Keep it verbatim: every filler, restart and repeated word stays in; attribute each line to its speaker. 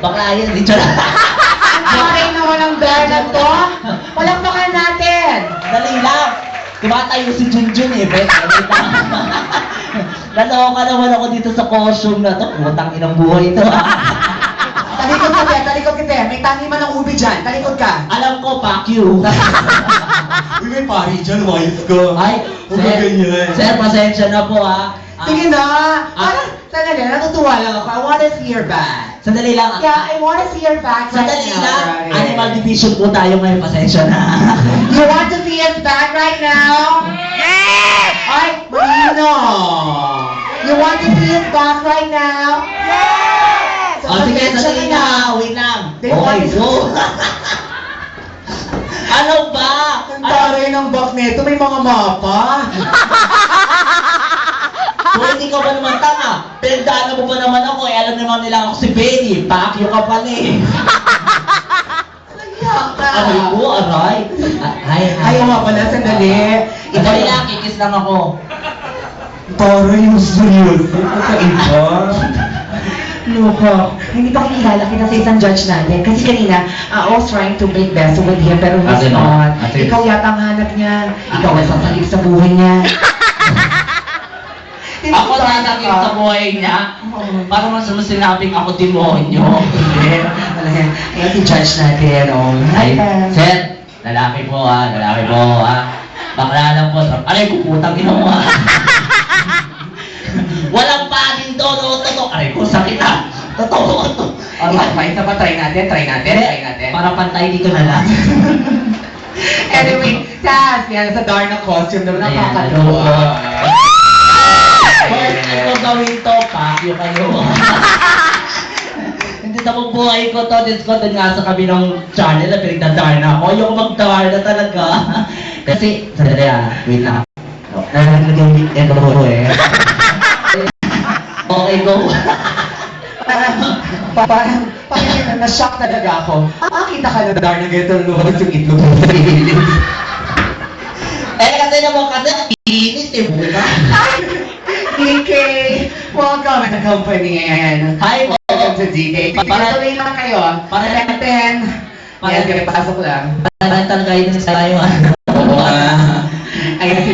Speaker 1: Bakla yun, di tsura.
Speaker 2: Okay naman ang bear na to. Palakpakan natin.
Speaker 1: Dali lang. Tumatayo si Junjun eh, bet. Naloka naman ako dito sa costume na to. Putang inang buhay ito.
Speaker 2: Talikod ka, Ber. Talikod ka, Ber. May tangi man ng ubi dyan. Talikod ka.
Speaker 1: Alam ko, fuck you.
Speaker 3: Uy, may pari dyan, wise ka.
Speaker 1: Ay,
Speaker 3: Huwag
Speaker 1: sir,
Speaker 3: ka ganyan.
Speaker 1: sir, pasensya na po ha. Ah,
Speaker 2: Sige na. Parang, sandali, natutuwa lang ako. I wanna see your bag.
Speaker 1: Sandali lang.
Speaker 2: Yeah, I wanna see your bag right
Speaker 1: Sandali
Speaker 2: now.
Speaker 1: lang.
Speaker 2: Right.
Speaker 1: Animal division po tayo ngayon, pasensya na.
Speaker 2: You want to see his bag right now? Yes! Ay, Marino! You want to see his bag right now? Yes!
Speaker 1: O sige, sandali na. Wait lang.
Speaker 2: They
Speaker 1: Okay,
Speaker 2: want-
Speaker 1: go. Ano ba?
Speaker 2: Ang taray ng bag nito, may mga mapa.
Speaker 1: Kung hindi ka ba naman tanga, pinagdaanan mo ba naman ako, eh alam naman nila ako si Benny, pakyo ka pala eh. Aray ko, aray. Ay, ay.
Speaker 2: Ayaw nga pala, sandali.
Speaker 1: Sandali lang, kikis lang ako.
Speaker 3: Taray yung seryoso. Kakaiba.
Speaker 2: Loko. Hindi pa kilala kita sa isang judge natin. Kasi kanina, uh, I was trying to make best with him, pero he's
Speaker 1: Ate, no?
Speaker 2: not.
Speaker 1: Ate.
Speaker 2: Ikaw yata ang hanap niya. Ikaw ang sasalip sa buhay niya.
Speaker 1: Ako sasakit sa buhay niya. Para mas sinabing ako demonyo.
Speaker 2: Hindi. Wala yan. Kaya si judge natin, oh.
Speaker 1: Ay,
Speaker 2: Ay,
Speaker 1: sir, lalaki po ha, lalaki po ha. Bakla lang po. Aray, puputang ina mo ha. Walang pagin to, no, totoo. Aray ko, sakit ha. Totoo, totoo.
Speaker 2: Alright, pa, isa pa, try natin, try natin, try natin.
Speaker 1: Para pantay dito na lang.
Speaker 2: Anyway, Sas, yan, sa Darna costume naman,
Speaker 1: Ayan,
Speaker 2: nakakatuwa.
Speaker 1: ano First time ko gawin to, pakyo kayo. Hindi na po buhay ko to, this ko dun nga sa kabilang channel na pinagdadar na ako. Ayoko mag-dar na talaga. Kasi, sandali ah, wait lang. Nalaglag yung ito ko eh. Okay, go.
Speaker 2: Parang, parang, parang na-shock talaga ako. Makakita ka na Darna ganito lumabas yung itlog mo sa gilid.
Speaker 1: Eh, kasi naman kasi ang inis eh, buka.
Speaker 2: D K, welcome sa company and
Speaker 1: Hi po.
Speaker 2: welcome to D K.
Speaker 1: Para-
Speaker 2: Tuloy lang kayo.
Speaker 1: Para-
Speaker 2: ten.
Speaker 1: Para-
Speaker 2: Yan, kaya pasok lang.
Speaker 1: Parental guidance tayo ah.
Speaker 3: Oo nga.